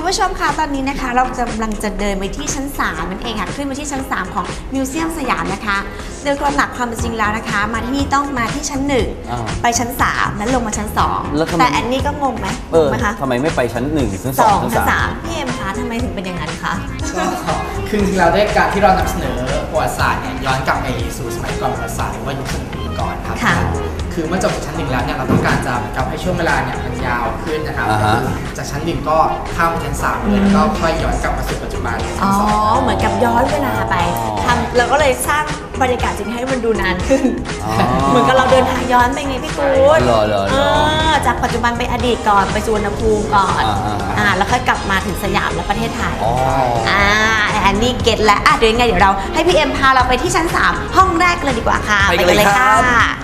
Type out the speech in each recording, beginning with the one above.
ผู้ชมคะตอนนี้นะคะเรากำลังจะเดินไปที่ชั้น3นั่นเองค่ะขึ้นมาที่ชั้น3ของมิวเซียมสยามนะคะโดยหลักความเป็นจริงแล้วนะคะมาที่นี่ต้องมาที่ชั้น1ไปชั้น3แล้วลงมาชั้น2แต่แอนนี่ก็งงไหมคะทำไมไม่ไปชั้น1ชั้น2ชั้น 3พี่เอ็มคะทำไมถึงเป็นอย่างนั้นคะคือจริงๆเราได้การที่เรานำเสนอประวัติศาสตร์เนี่ยย้อนกลับไปสู่สมัยก่อนประวัติศาสตร์หรือว่ายุคสมัยก่อนครับคือเมื่อจบจากชั้น1แล้วเนี่ยเราต้องการจะทำให้ช่วงเวลาเนี่ยมันยาวขึ้นนะครับจากชั้น1ก็ข้ามไปชั้น3เลยแล้วก็ค่อยย้อนกลับมาสู่ปัจจุบันอ๋อเหมือนกับย้อนเวลาไปทำเราก็เลยสร้างบรรยากาศจริงให้มันดูนานขึ้นเหมือนกับเราเดินทางย้อนไปไงพี่กู๊ดจากปัจจุบันไปอดีตก่อนไปสุวรรณภูมิก่อนแล้วค่อยกลับมาถึงสยามและประเทศไทยอันนี้เก็ตแล้วเดี๋ยวยังไงเดี๋ยวเราให้พี่เอ็มพาเราไปที่ชั้น3ห้องแรกเลยดีกว่าค่ะไปกันเลยค่ะ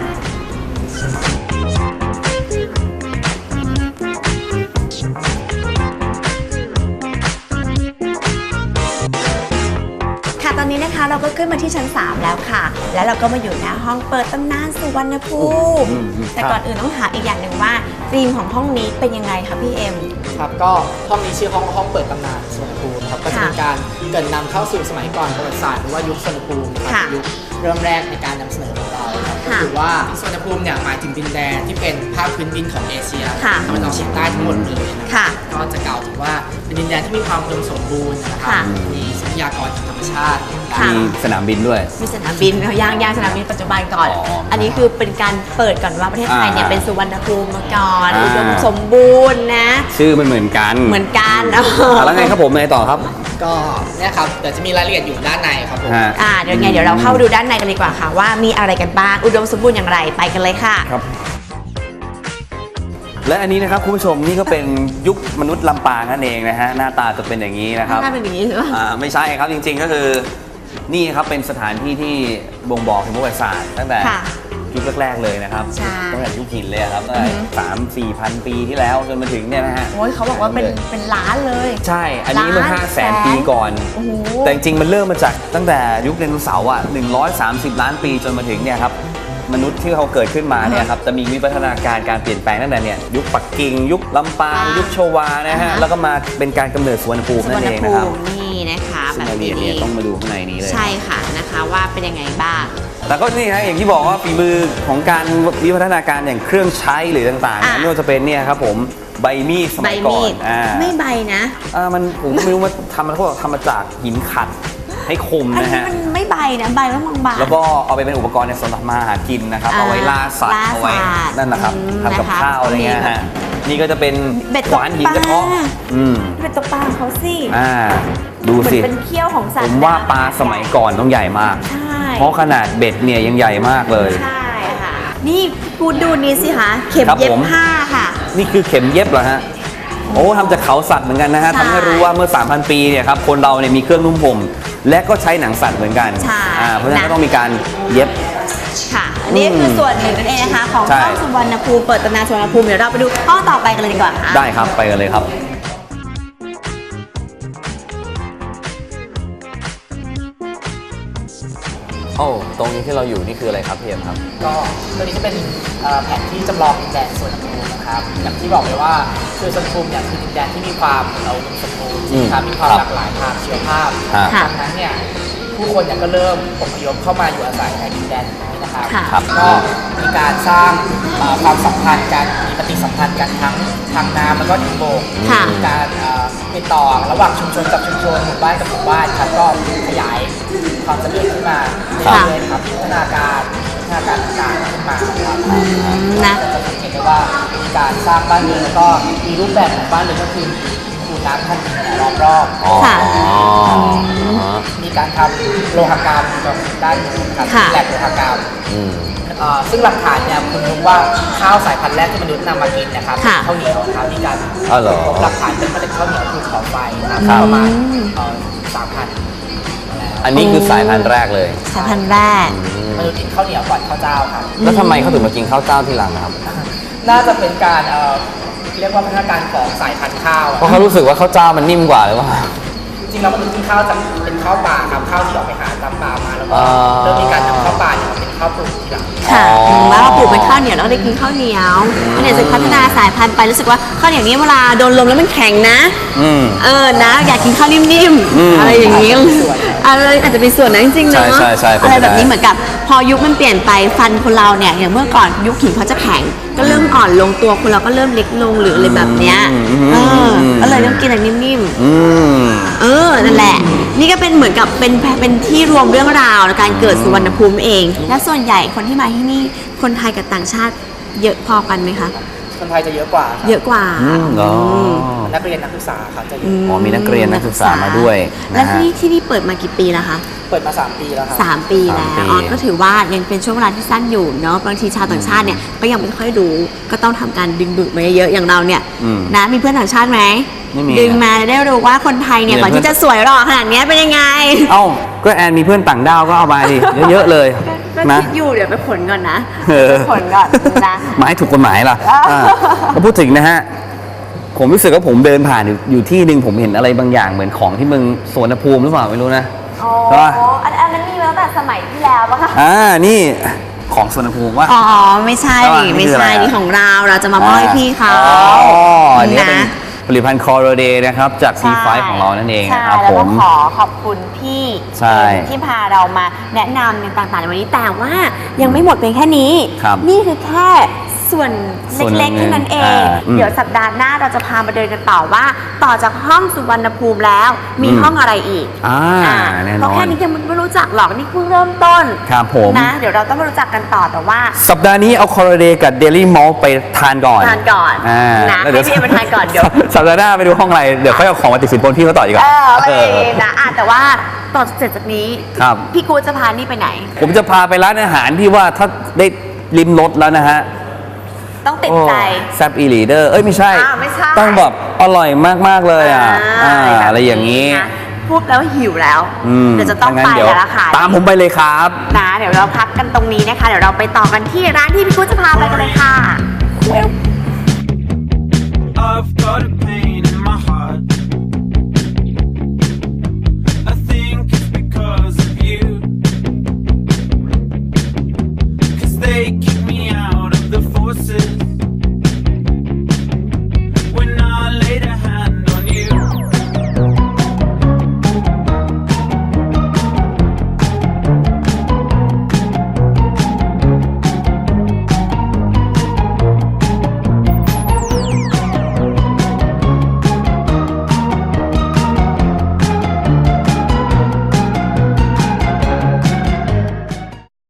ตอนนี้นะคะเราก็ขึ้นมาที่ชั้น3แล้วค่ะแล้วเราก็มาอยู่ในห้องเปิดตำนานสุวรรณภูมิแต่ก่อนอื่นต้องถามอีกอย่างหนึ่งว่าธีมของห้องนี้เป็นยังไงคะพี่เอ็มครับก็ห้องนี้ชื่อห้องเปิดตำนานสุวรรณภูมิครับก็จะเป็นการเกริ่นนำเข้าสู่สมัยก่อนประวัติศาสตร์หรือว่ายุคสุวรรณภูมิครับยุคเริ่มแรกในการนำเสนอของเราก็คือว่าสุวรรณภูมิเนี่ยหมายถึงดินแดนที่เป็นภาคพื้นดินของเอเชียตะวันออกเฉียงใต้ทั้งหมดเลยนะครับก็จะกล่าวถึงว่าเป็นดินแดนที่มีความอุดมสมบูรณ์นะครับมีทรัพยากรทางธรรมชาติมีสนามบินด้วยมีสนามบินย่างสนามบินปัจจุบันก่อนอันนี้คือเป็นการเปิดก่อนว่าประเทศไทยเนี่ยเป็นสุวรรณภูมิมาก่อนอุดมสมบูรณ์นะชื่อมันเหมือนกันแล้วไงครับผมไงต่อครับก็เนี่ยครับเดี๋ยวจะมีรายละเอียดอยู่ด้านในครับผมเดี๋ยวเราเข้าดูด้านในกันดีกว่าค่ะว่ามีอะไรกันบ้างอุดมสมบูรณ์อย่างไรไปกันเลยค่ะครับและอันนี้นะครับคุณผู้ชมนี่ก็เป็นยุคมนุษย์ลำปางนั่นเองนะฮะหน้าตาจะเป็นอย่างนี้นะครับหน้าเป็นอย่างนี้ใช่ไหมไม่ใช่ครับจริงๆก็คือนี่ครับเป็นสถานที่ที่บ่งบอกถึงประวัติศาสตร์ตั้งแต่ยุคแรกๆเลยนะครับตั้งแต่ยุคหินเลยครับตั้งแต่3-4,000 ปีที่แล้วจนมาถึงเนี่ยนะฮะโอ้ยเขาบอกว่าเป็นล้านเลยใช่อันนี้เมื่อ500,000 ปีก่อนแต่จริงๆมันเริ่มมาจากตั้งแต่ยุคไดโนเสาร์130 ล้านปีจนมาถึงเนี่ยครับมนุษย์ที่เขาเกิดขึ้นมาเนี่ยครับจะมีวิวัฒนาการเปลี่ยนแปลงตั้งแต่เนี่ยยุคปักกิ่งยุคลำปางยุคโชวานะฮะแล้วก็มาเป็นการกำเนิดสุวรรณภูมินั่นเองนะครับนี่นะคะแบบนี้ต้องมาดูข้างในนี้เลยใช่ค่ะนะคะว่าเป็นยังไงบ้างแต่ก็นี่นะอย่างที่บอกว่าฝีมือของการวิวัฒนาการอย่างเครื่องใช้หรือต่างๆไม่ว่าจะเป็นเนี่ยครับผมใบมีดสมัยก่อนไม่ใบนะมันผมไม่รู้ว่าเขาบอกทำมาจากหินขัดให้คมนะฮะมันไม่ใบนะใบแล้วบางๆแล้วก็เอาไปเป็นอุปกรณ์ในสำหรับมาหากินนะครับเอาไว้ล่าสัตว์เอาไว้นั่นนะครับทำกับข้าวอะไรเงี้ยฮะนี่ก็จะเป็นขวานหินกระเทาะเป็นตัวปลาเขาสิดูสิเป็นเขี้ยวของสัตว์ผมว่าปลาสมัยก่อนต้องใหญ่มากเพราะขนาดเบ็ดเนี่ยยังใหญ่มากเลยใช่ค่ะนี่กูดูนี่สิคะเข็มเย็บผ้าค่ะนี่คือเข็มเย็บเหรอฮะโอ้ทำจากเขาสัตว์เหมือนกันนะฮะทำให้รู้ว่าเมื่อ 3,000 ปีเนี่ยครับคนเราเนี่ยมีเครื่องนุ่มห่มและก็ใช้หนังสัตว์เหมือนกันเพราะฉะนั้นก็ต้องมีการเย็บค่ะนี่คือส่วนหนึ่งนั่นเองนะคะของห้องสุวรรณภูมิเปิดตำนานสุวรรณภูมิเดี๋ยวเราไปดูห้องต่อไปกันเลยดีกว่าค่ะได้ครับไปกันเลยครับตรงนี้ที่เราอยู่นี่คืออะไรครับพี่เอ็มครับก็ตัวนี้จะเป็นแผนที่จำลองดินแดนสุวรรณภูมินะครับอย่างที่บอกเลยว่าคือสุวรรณภูมิเนี่ยคือดินแดนที่มีความอุดมสมบูรณ์มีความหลากหลายทางชีวภาพดังนั้นเนี่ยผู้คนเนี่ยก็เริ่มอพยพเข้ามาอยู่อาศัยในดินแดนนี้นะครับก็มีการสร้างความสัมพันธ์กันมีปฏิสัมพันธ์กันทั้งทางน้ำแล้วก็ทางบกมีการติดต่อระหว่างชุมชนกับชุมชนหมู่บ้านกับหมู่บ้านครับก็ขยายความเจริญขึ้นมาเรื่อยๆครับพัฒนาการต่างๆขึ้นมาครับนะจะสังเกตได้ว่ามีการสร้างบ้านเรือนแล้วก็มีรูปแบบของบ้านเรือนก็คือคูน้ำท่านล้อมรอบมีการทำโลหกรรมกับด้านการแลกโลหกรรมซึ่งหลักฐานเนี่ยคุณรู้ว่าข้าวสายพันธุ์แรกที่มนุษย์นำมากินนะครับข้าวเหนียวครับมีการพบหลักฐานเป็นเมล็ดข้าวเหนียวภูเขาไฟครับประมาณ3,000 อันนี้คือสายพันธุ์แรกเลยสายพันธุ์แรกมนุษย์กินข้าวเหนียวก่อนข้าวเจ้าครับแล้วทำไมเขาถึงมากินข้าวเจ้าทีหลังครับน่าจะเป็นการเรียกว่าพัฒนาการของสายพันธุ์ข้าวเพราะเขารู้สึกว่าข้าวเจ้ามันนิ่มกว่าหรือเปล่าจริงๆแล้วมนุษย์กินข้าวจะเป็นข้าวป่าครับข้าวที่ออกไปหาตามป่ามาแล้วเริ่มมีการนำข้าวป่าเนี่ยมาเป็นข้าวปลูกทีหลังค่ะแล้วเราปลูกเป็นข้าวเหนียวแล้วก็ได้กินข้าวเหนียวเนี่ยจะพัฒนาสายพันธุ์ไปรู้สึกว่าข้าวเหนียวนี้เวลาโดนลมแล้วมันแข็งนะนะอยากกินข้าวนิ่มๆอะไรอย่างนี้อะไรอาจจะเป็นส่วนนั้นจริงๆเนาะอะไรแบบนี้เหมือนกับพอยุคมันเปลี่ยนไปฟันคนเราเนี่ยอย่างเมื่อก่อนยุคหินเขาจะแข็งก็เริ่มอ่อนลงตัวคนเราก็เริ่มเล็กลงหรืออะไรแบบเนี้ยก็เลยต้องกินอะไรนิ่มๆนั่นแหละนี่ก็เป็นเหมือนกับเป็นที่รวมเรื่องราวในการเกิดสุวรรณภูมิเองและส่วนใหญ่คนที่มาที่นี่คนไทยกับต่างชาติเยอะพอกันไหมคะคนไทยจะเยอะกว่าเยอะกว่านักเรียนนักศึกษาครับจะเยอะมีนักเรียนนักศึกษามาด้วยและที่นี่เปิดมากี่ปีแล้วคะเปิดมา3 ปีแล้วครับ 3 ปีแล้วก็ถือว่ายังเป็นช่วงเวลาที่สั้นอยู่เนาะบางทีชาวต่างชาติเนี่ยก็ยังไม่ค่อยรู้ก็ต้องทำการดึงดูดมาเยอะๆอย่างเราเนี่ยนะมีเพื่อนต่างชาติไหมดึงมาได้รู้ว่าคนไทยเนี่ยก่อนที่จะสวยหล่อขนาดนี้เป็นยังไงก็แอนมีเพื่อนต่างดาวก็เอามาดิเยอะๆเลยนะคิดอยู่เดี๋ยวไปผลก่อนนะผลก่อนนะมาให้ถูกกฎหมายล่ะก็พูดถึงนะฮะผมรู้สึกว่าผมเดินผ่านอยู่ที่หนึ่งผมเห็นอะไรบางอย่างเหมือนของที่เมืองสวนภูมิหรือเปล่าไม่รู้นะอันนั้นมีมาตั้งแต่สมัยที่แล้วปะคะนี่ของสวนภูมิว่าไม่ใช่ไม่ใช่นี่ของเราจะมามอบให้พี่เขาอันนี้เป็นผลิตภัณฑ์คอร์เดย์นะครับจาก C5 ของเรานั่นเองนะครับผมขอขอบคุณพี่ที่พาเรามาแนะนำในต่างๆในวันนี้แต่ว่ายังไม่หมดเพียงแค่นี้นี่คือแค่ส่วนเล็กๆแค่นั้นเองเดี๋ยวสัปดาห์หน้าเราจะพามาเดินกันต่อว่าต่อจากห้องสุวรรณภูมิแล้วมีห้องอะไรอีกเพราะแค่นี้ยังไม่รู้จักหรอกนี่เพิ่งเริ่มต้นครับผมนะเดี๋ยวเราต้องมารู้จักกันต่อแต่ว่าสัปดาห์นี้เอาคอร์เดย์กับเดลี่มอลไปทานก่อนนะให้พี่มาทานก่อนเดี๋ยวสัปดาห์หน้าไปดูห้องอะไรเดี๋ยวค่อยเอาของมาติดสินบนพี่เขาต่อดีกว่านะแต่ว่าต่อเสร็จจากนี้พี่กูจะพานี่ไปไหนผมจะพาไปร้านอาหารที่ว่าถ้าได้ลิ้มรสแล้วนะฮะต้องติดใจแซบอีลีเดอร์ไม่ใช่ต้องแบบอร่อยมากๆเลยอะไรอย่างนี้พูดแล้วหิวแล้วเดี๋ยวจะต้องไปแล้วล่ะค่ะตามผมไปเลยครับนะเดี๋ยวเราพักกันตรงนี้นะคะเดี๋ยวเราไปต่อกันที่ร้านที่พี่กุ้งจะพาไปกันเลยค่ะ